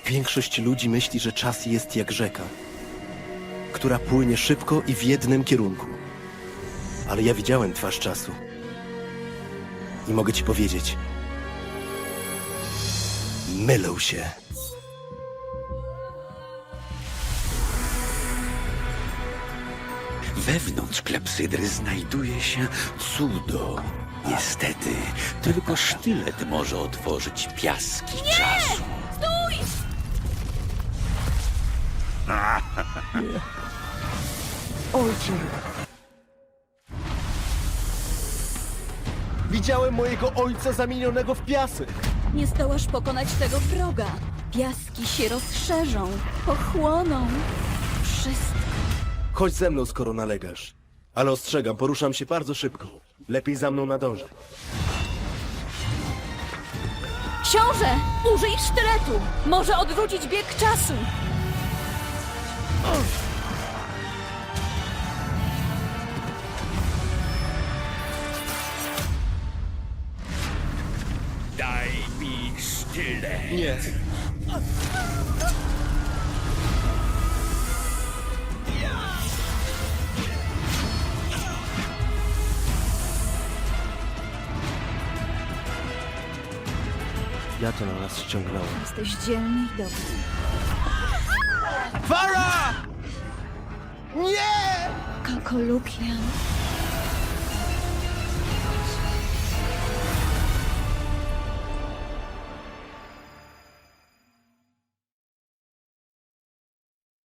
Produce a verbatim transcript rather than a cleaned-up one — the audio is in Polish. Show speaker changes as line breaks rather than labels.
Większość ludzi myśli, że czas jest jak rzeka, która płynie szybko i w jednym kierunku. Ale ja widziałem twarz czasu. I mogę ci powiedzieć, mylą się.
Wewnątrz klepsydry znajduje się cudo. Niestety, tylko sztylet może otworzyć piaski czasu.
Stój!
Ojcze! Widziałem mojego ojca zamienionego w piasek.
Nie zdołasz pokonać tego wroga. Piaski się rozszerzą, pochłoną. Wszystko.
Chodź ze mną, skoro nalegasz. Ale ostrzegam, poruszam się bardzo szybko. Lepiej za mną nadążaj.
Książę! Użyj sztyletu! Może odwrócić bieg czasu!
Daj mi sztylet.
Nie. Ja to na nas ściągnąłem.
Jesteś dzielny i dobry.
Wara! Nie!
Kokolukian.